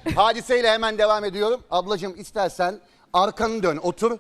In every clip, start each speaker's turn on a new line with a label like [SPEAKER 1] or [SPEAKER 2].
[SPEAKER 1] Hadiseyle hemen devam ediyorum. Ablacığım istersen arkanı dön, otur.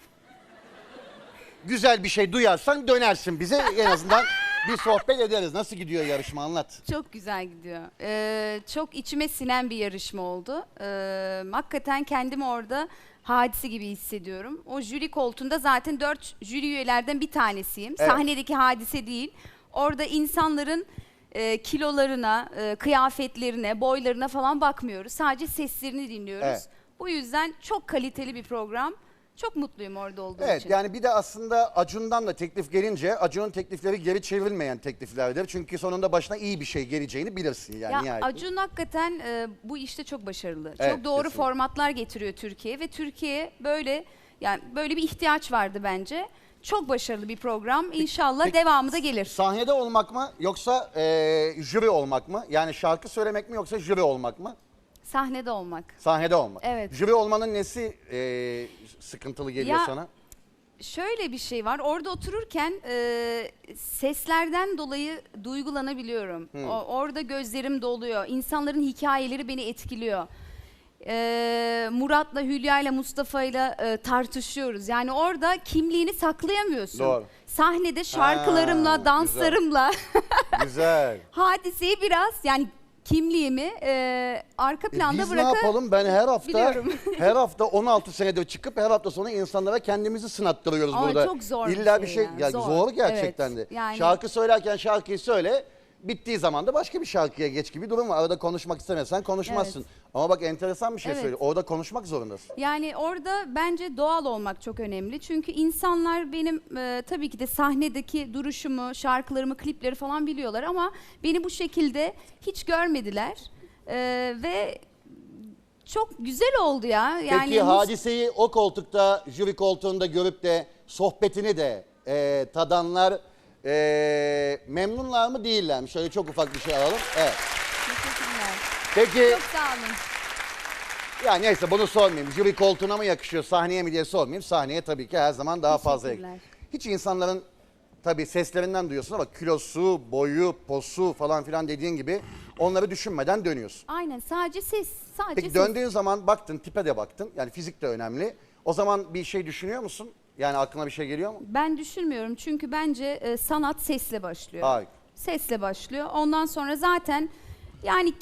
[SPEAKER 1] Güzel bir şey duyarsan dönersin bize. En azından bir sohbet ederiz. Nasıl gidiyor yarışma, anlat.
[SPEAKER 2] Çok güzel gidiyor. Çok içime sinen bir yarışma oldu. Hakikaten kendimi orada Hadise gibi hissediyorum. O jüri koltuğunda zaten 4 jüri üyelerden bir tanesiyim.
[SPEAKER 1] Evet.
[SPEAKER 2] Sahnedeki Hadise değil. Orada insanların kilolarına, kıyafetlerine, boylarına falan bakmıyoruz. Sadece seslerini dinliyoruz.
[SPEAKER 1] Evet.
[SPEAKER 2] Bu yüzden çok kaliteli bir program. Çok mutluyum orada olduğum
[SPEAKER 1] Evet,
[SPEAKER 2] için.
[SPEAKER 1] yani bir de aslında Acun'dan da teklif gelince Acun'un teklifleri geri çevrilmeyen tekliflerdir. Çünkü sonunda başına iyi bir şey geleceğini bilirsin yani.
[SPEAKER 2] Ya
[SPEAKER 1] nihayetinde.
[SPEAKER 2] Acun hakikaten bu işte çok başarılı.
[SPEAKER 1] Evet,
[SPEAKER 2] Çok doğru
[SPEAKER 1] kesinlikle.
[SPEAKER 2] formatlar getiriyor Türkiye'ye ve Türkiye'ye böyle bir ihtiyaç vardı bence. Çok başarılı bir program. İnşallah
[SPEAKER 1] peki,
[SPEAKER 2] devamı da gelir.
[SPEAKER 1] Sahnede olmak mı yoksa jüri olmak mı? Yani şarkı söylemek mi yoksa jüri olmak mı?
[SPEAKER 2] Sahnede olmak.
[SPEAKER 1] Sahnede olmak.
[SPEAKER 2] Evet.
[SPEAKER 1] Jüri olmanın nesi sıkıntılı geliyor
[SPEAKER 2] Ya,
[SPEAKER 1] sana?
[SPEAKER 2] Şöyle bir şey var. Orada otururken seslerden dolayı duygulanabiliyorum. Orada gözlerim doluyor. İnsanların hikayeleri beni etkiliyor. Murat'la, Hülya'yla, Mustafa'yla tartışıyoruz. Yani orada kimliğini saklayamıyorsun.
[SPEAKER 1] Doğru.
[SPEAKER 2] Sahnede şarkılarımla,
[SPEAKER 1] Ha,
[SPEAKER 2] danslarımla
[SPEAKER 1] Güzel.
[SPEAKER 2] Hadiseyi biraz yani kimliğimi arka planda
[SPEAKER 1] Biz ne
[SPEAKER 2] bırakıp
[SPEAKER 1] yapalım? Ben her hafta
[SPEAKER 2] biliyorum.
[SPEAKER 1] her hafta 16 senedir çıkıp her hafta sonu insanlara kendimizi sınattırıyoruz
[SPEAKER 2] Ama
[SPEAKER 1] burada.
[SPEAKER 2] çok zor bir
[SPEAKER 1] İlla bir
[SPEAKER 2] şey
[SPEAKER 1] şey
[SPEAKER 2] ya,
[SPEAKER 1] ya
[SPEAKER 2] zor.
[SPEAKER 1] zor gerçekten
[SPEAKER 2] Evet,
[SPEAKER 1] de.
[SPEAKER 2] yani-
[SPEAKER 1] Şarkı söylerken şarkıyı söyle. Bittiği zaman da başka bir şarkıya geç gibi durum var. Arada konuşmak istemezsen konuşmazsın.
[SPEAKER 2] Evet.
[SPEAKER 1] Ama bak enteresan bir şey
[SPEAKER 2] Evet.
[SPEAKER 1] söylüyor. Orada konuşmak zorundasın.
[SPEAKER 2] Yani orada bence doğal olmak çok önemli. Çünkü insanlar benim tabii ki de sahnedeki duruşumu, şarkılarımı, klipleri falan biliyorlar ama beni bu şekilde hiç görmediler. Ve çok güzel oldu ya. Yani
[SPEAKER 1] Peki Hadise'yi o koltukta, jüri koltuğunda görüp de sohbetini de tadanlar memnunlar mı değiller mi? Şöyle çok ufak bir şey alalım. Evet.
[SPEAKER 2] Teşekkürler.
[SPEAKER 1] Peki
[SPEAKER 2] Çok sağ olun.
[SPEAKER 1] ya neyse bunu sormayayım. Jüri koltuğuna mı yakışıyor, sahneye mi diye sormayayım. Sahneye tabii ki her zaman daha fazla
[SPEAKER 2] Teşekkürler.
[SPEAKER 1] yakışıyor. Hiç insanların tabii seslerinden duyuyorsun ama kilosu, boyu, posu falan filan dediğin gibi onları düşünmeden dönüyorsun.
[SPEAKER 2] Aynen, sadece ses. Sadece
[SPEAKER 1] Peki
[SPEAKER 2] ses.
[SPEAKER 1] döndüğün zaman baktın, tipe de baktın. Yani fizik de önemli. O zaman bir şey düşünüyor musun? Yani aklına bir şey geliyor mu?
[SPEAKER 2] Ben düşünmüyorum çünkü bence sanat sesle başlıyor.
[SPEAKER 1] Hayır.
[SPEAKER 2] Sesle başlıyor. Ondan sonra zaten yani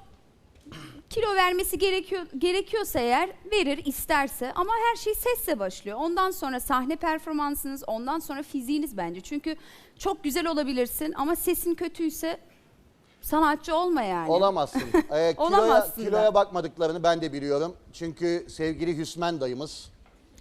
[SPEAKER 2] kilo vermesi gerekiyorsa eğer verir isterse ama her şey sesle başlıyor. Ondan sonra sahne performansınız, ondan sonra fiziğiniz bence. Çünkü çok güzel olabilirsin ama sesin kötüyse sanatçı olma yani.
[SPEAKER 1] Olamazsın.
[SPEAKER 2] Olamazsın da.
[SPEAKER 1] Kiloya bakmadıklarını ben de biliyorum. Çünkü sevgili Hüsmen dayımız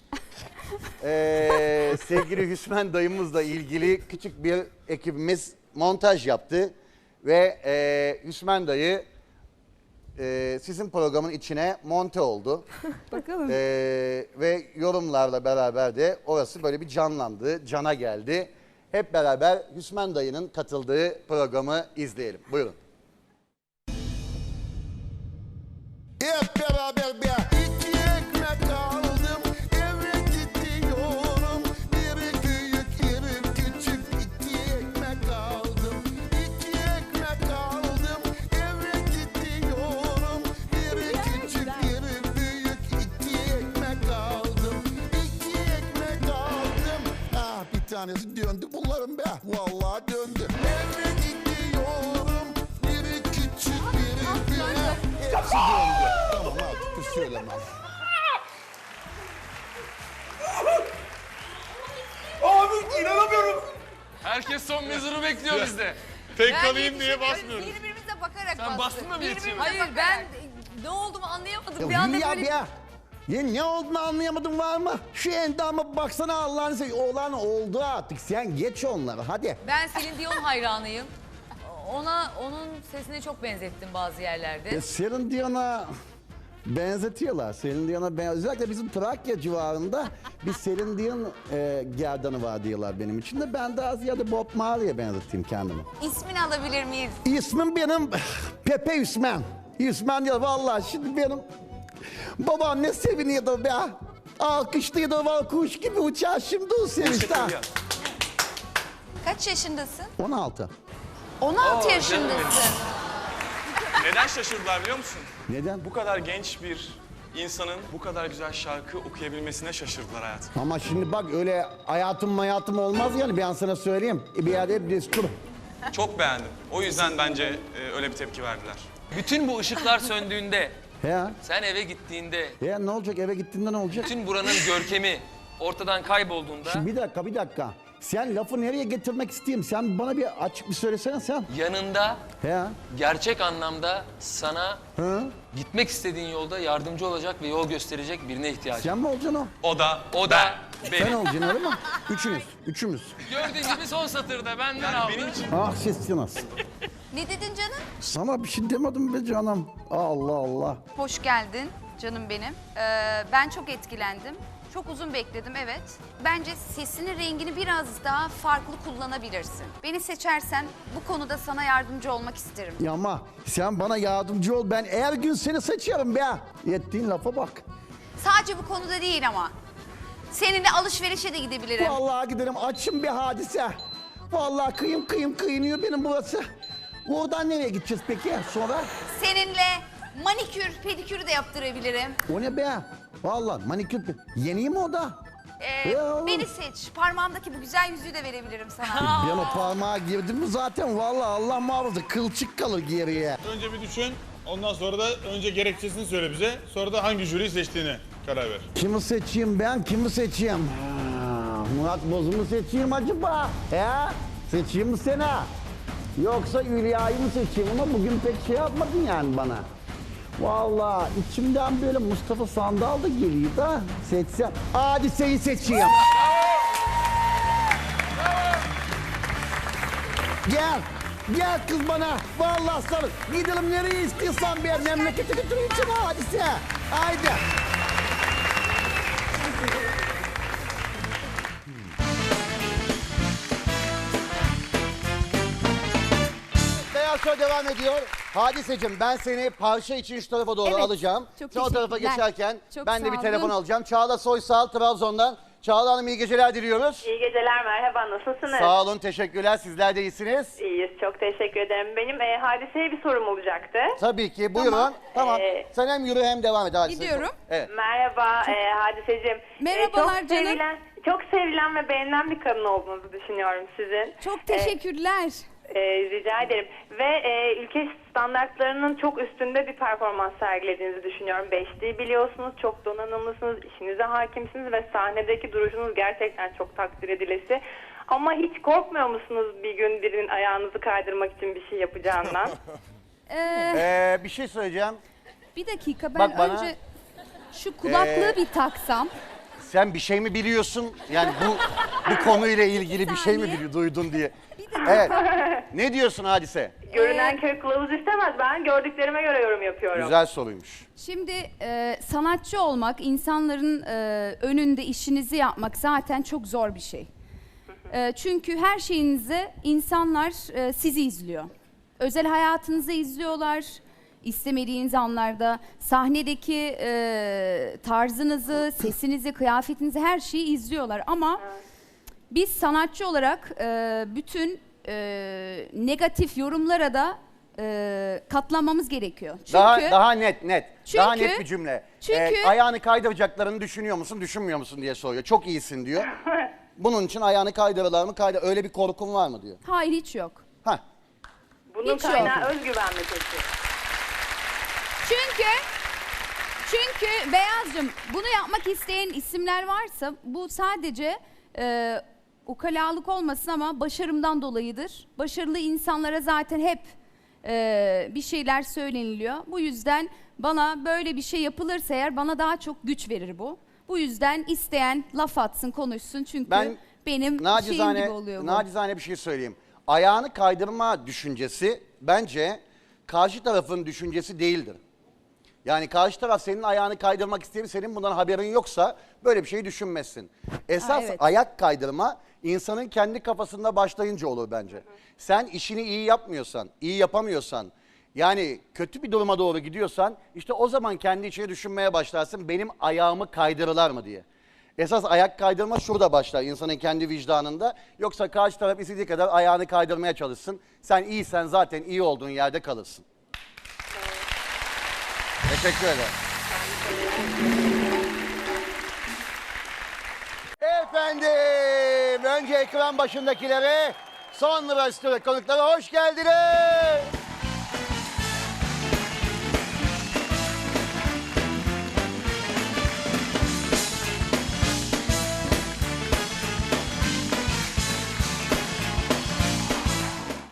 [SPEAKER 1] sevgili Hüsmen dayımızla ilgili küçük bir ekibimiz montaj yaptı. Ve Hüsmen dayı sizin programın içine monte oldu.
[SPEAKER 2] Bakalım.
[SPEAKER 1] Ve yorumlarla beraber de orası böyle bir canlandı, cana geldi. Hep beraber Hüsmen dayının katıldığı programı izleyelim. Buyurun.
[SPEAKER 3] Hep beraber bir iki ekmek aldım, eve gidiyorum. Biri büyük, biri küçük, iki ekmek aldım. İki ekmek aldım, eve gidiyorum. Biri küçük, biri büyük, iki ekmek aldım. İki ekmek aldım. Ah, bir tanesi döndü bunların be. Vallahi döndü. Eve gidiyorum. Biri küçük, biri büyük. Hepsi döndü. Tamam artık söylemem.
[SPEAKER 4] Abi inanamıyorum.
[SPEAKER 5] Herkes son mezuru bekliyor bizde.
[SPEAKER 4] Tek kalayım diye basmıyoruz.
[SPEAKER 6] Birbirimize bakarak
[SPEAKER 5] Sen bastın mı Mirçin?
[SPEAKER 6] Hayır ben ne olduğumu anlayamadım.
[SPEAKER 3] Ya
[SPEAKER 6] Bir anda
[SPEAKER 3] Hülya
[SPEAKER 6] böyle
[SPEAKER 3] ya. Ya ne olduğunu anlayamadın var mı? Şu endama baksana Allah'ını seveyim. Olan oldu artık. Sen geç onları hadi.
[SPEAKER 6] ben Celine Dion hayranıyım. Onun sesine çok benzettim bazı yerlerde.
[SPEAKER 3] Celine Dion'a benzetiyorlar. Celine Dion'a özellikle bizim Trakya civarında bir Celine Dion gerdanı var diyorlar benim için de. Ben daha ziyade Bob Marley'e benzeteyim kendimi.
[SPEAKER 6] İsmini alabilir miyiz?
[SPEAKER 3] İsmim benim Pepe Hüsmen. Hüsmen diyor vallahi şimdi benim babam ne seviniyordu be. Alkışlıyordu var kuş gibi uçar şimdi o sevinçten.
[SPEAKER 6] Kaç yaşındasın?
[SPEAKER 3] 16.
[SPEAKER 6] 16 yaşındasın.
[SPEAKER 4] Neden şaşırdılar biliyor musun?
[SPEAKER 3] Neden?
[SPEAKER 4] Bu kadar genç bir insanın bu kadar güzel şarkı okuyabilmesine şaşırdılar hayatım.
[SPEAKER 3] Ama şimdi bak öyle hayatım olmaz yani ben sana söyleyeyim. Bir yerde hep destur.
[SPEAKER 4] Çok beğendim. O yüzden bence öyle bir tepki verdiler.
[SPEAKER 5] Bütün bu ışıklar söndüğünde,
[SPEAKER 3] He?
[SPEAKER 5] sen eve gittiğinde,
[SPEAKER 3] He ne olacak eve gittiğinde ne olacak?
[SPEAKER 5] bütün buranın görkemi ortadan kaybolduğunda
[SPEAKER 3] Şimdi bir dakika. Sen lafı nereye getirmek isteyeyim? Sen bana bir açık bir söylesene sen.
[SPEAKER 5] yanında
[SPEAKER 3] He?
[SPEAKER 5] gerçek anlamda sana
[SPEAKER 3] Hı?
[SPEAKER 5] gitmek istediğin yolda yardımcı olacak ve yol gösterecek birine ihtiyacın.
[SPEAKER 3] Sen mi olacaksın o?
[SPEAKER 5] O da
[SPEAKER 3] Sen
[SPEAKER 5] benim.
[SPEAKER 3] olacaksın öyle mi? Üçümüz.
[SPEAKER 5] Gördüğün gibi son satırda benden aldı.
[SPEAKER 4] Benim için
[SPEAKER 3] Ah sesiniz.
[SPEAKER 2] Ne dedin canım?
[SPEAKER 3] Sana bir şey demedim be canım. Allah Allah.
[SPEAKER 2] Hoş geldin canım benim. Ben çok etkilendim. Çok uzun bekledim evet. Bence sesinin rengini biraz daha farklı kullanabilirsin. Beni seçersen bu konuda sana yardımcı olmak isterim.
[SPEAKER 3] Ya ama sen bana yardımcı ol. Ben her gün seni seçerim be. Ettiğin lafa bak.
[SPEAKER 2] Sadece bu konuda değil ama. Seninle alışverişe de gidebilirim.
[SPEAKER 3] Vallahi giderim açım bir hadise. Vallahi kıyınıyor benim burası. Oradan nereye gideceğiz peki sonra?
[SPEAKER 2] Seninle manikür, pedikür de yaptırabilirim.
[SPEAKER 3] O ne be? Vallahi manikür. Yeni mi o da? Ya.
[SPEAKER 2] Beni seç. Parmağımdaki bu güzel yüzüğü de verebilirim sana.
[SPEAKER 3] Ben o parmağa girdim mi zaten vallahi Allah muhafaza kılçık kalır geriye.
[SPEAKER 4] önce bir düşün. Ondan sonra da önce gerekçesini söyle bize. Sonra da hangi jüriyi seçtiğini karar ver.
[SPEAKER 3] Kimi seçeyim ben? Kimi seçeyim? Murat Boz'u mu seçeyim acaba? He? Seçeyim mi seni? Yoksa Hülya'yı mı seçeyim ama bugün pek şey yapmadın yani bana. Vallahi içimden böyle Mustafa Sandal da geliyor da seçsem. Hadise'yi seçeyim. Gel kız bana. Vallahi sarıl. Gidelim nereye istiyorsan bir memlekete götüreyim seni Hadise. Haydi.
[SPEAKER 1] Beyaz Show devam ediyor. Hadiseciğim ben seni parça için şu tarafa doğru
[SPEAKER 2] Evet,
[SPEAKER 1] alacağım.
[SPEAKER 2] çok
[SPEAKER 1] Sen o tarafa
[SPEAKER 2] teşekkürler.
[SPEAKER 1] geçerken
[SPEAKER 2] Çok
[SPEAKER 1] ben de
[SPEAKER 2] sağ
[SPEAKER 1] bir
[SPEAKER 2] olun.
[SPEAKER 1] telefon alacağım. Çağla Soysal Trabzon'dan. Çağla Hanım iyi geceler diliyoruz.
[SPEAKER 7] İyi geceler, merhaba. Nasılsınız?
[SPEAKER 1] Sağ olun, teşekkürler. Sizler de iyisiniz.
[SPEAKER 7] İyiyiz, çok teşekkür ederim. Benim Hadise'ye bir sorum olacaktı.
[SPEAKER 1] Tabii ki, buyurun. Tamam. Sen hem yürü hem devam et Hadise.
[SPEAKER 2] Gidiyorum.
[SPEAKER 1] Evet.
[SPEAKER 7] Merhaba Hadiseciğim.
[SPEAKER 2] Merhabalar
[SPEAKER 7] çok
[SPEAKER 2] canım.
[SPEAKER 7] Çok sevilen ve beğenilen bir kadın olduğunuzu düşünüyorum sizin.
[SPEAKER 2] Çok teşekkürler.
[SPEAKER 7] Rica ederim. Ve ülke standartlarının çok üstünde bir performans sergilediğinizi düşünüyorum. 5D'yi biliyorsunuz, çok donanımlısınız, işinize hakimsiniz ve sahnedeki duruşunuz gerçekten çok takdir edilesi. Ama hiç korkmuyor musunuz bir gün birinin ayağınızı kaydırmak için bir şey yapacağından?
[SPEAKER 1] Bir şey söyleyeceğim.
[SPEAKER 2] Bir dakika ben
[SPEAKER 1] Bak bana.
[SPEAKER 2] önce şu kulaklığı bir taksam.
[SPEAKER 1] Sen bir şey mi biliyorsun? Yani bu konuyla ilgili bir şey mi
[SPEAKER 2] saniye.
[SPEAKER 1] duydun diye.
[SPEAKER 2] Bir dakika.
[SPEAKER 1] Evet. Ne diyorsun Hadise?
[SPEAKER 7] Görünen köy kılavuz istemez. Ben gördüklerime göre yorum yapıyorum.
[SPEAKER 1] Güzel soruymuş.
[SPEAKER 2] Şimdi sanatçı olmak, insanların önünde işinizi yapmak zaten çok zor bir şey. Çünkü her şeyinizi insanlar sizi izliyor. Özel hayatınızı izliyorlar. İstemediğiniz anlarda sahnedeki tarzınızı, sesinizi, kıyafetinizi her şeyi izliyorlar. Ama biz sanatçı olarak bütün negatif yorumlara da katlanmamız gerekiyor. Çünkü
[SPEAKER 1] Daha net. Daha
[SPEAKER 2] Çünkü-
[SPEAKER 1] net bir cümle.
[SPEAKER 2] çünkü-
[SPEAKER 1] Ayağını kaydıracaklarını düşünüyor musun, düşünmüyor musun diye soruyor. Çok iyisin diyor. Bunun için ayağını kaydırırlar mı? Öyle bir korkun var mı diyor.
[SPEAKER 2] hayır hiç yok.
[SPEAKER 1] Hah.
[SPEAKER 7] Bunun
[SPEAKER 2] Hiç yok.
[SPEAKER 7] kaynağı özgüven mi peki?
[SPEAKER 2] Çünkü Beyazcığım bunu yapmak isteyen isimler varsa bu sadece ukalalık olmasın ama başarımdan dolayıdır. Başarılı insanlara zaten hep bir şeyler söyleniliyor. Bu yüzden bana böyle bir şey yapılırsa eğer bana daha çok güç verir bu. Bu yüzden isteyen laf atsın, konuşsun çünkü
[SPEAKER 1] Ben
[SPEAKER 2] benim şeyim gibi oluyor bu.
[SPEAKER 1] nacizane bir şey söyleyeyim. Ayağını kaydırma düşüncesi bence karşı tarafın düşüncesi değildir. Yani karşı taraf senin ayağını kaydırmak isteyen, senin bundan haberin yoksa böyle bir şey düşünmezsin. Esas
[SPEAKER 2] evet.
[SPEAKER 1] ayak kaydırma insanın kendi kafasında başlayınca olur bence. Sen işini iyi yapmıyorsan, iyi yapamıyorsan, yani kötü bir duruma doğru gidiyorsan işte o zaman kendi içine düşünmeye başlarsın benim ayağımı kaydırırlar mı diye. Esas ayak kaydırma şurada başlar insanın kendi vicdanında. Yoksa karşı taraf istediği kadar ayağını kaydırmaya çalışsın. Sen iyisen zaten iyi olduğun yerde kalırsın. Teşekkür ederim. Efendim, önce ekran başındakilere, sonra stüdyo konuklara hoş geldiniz.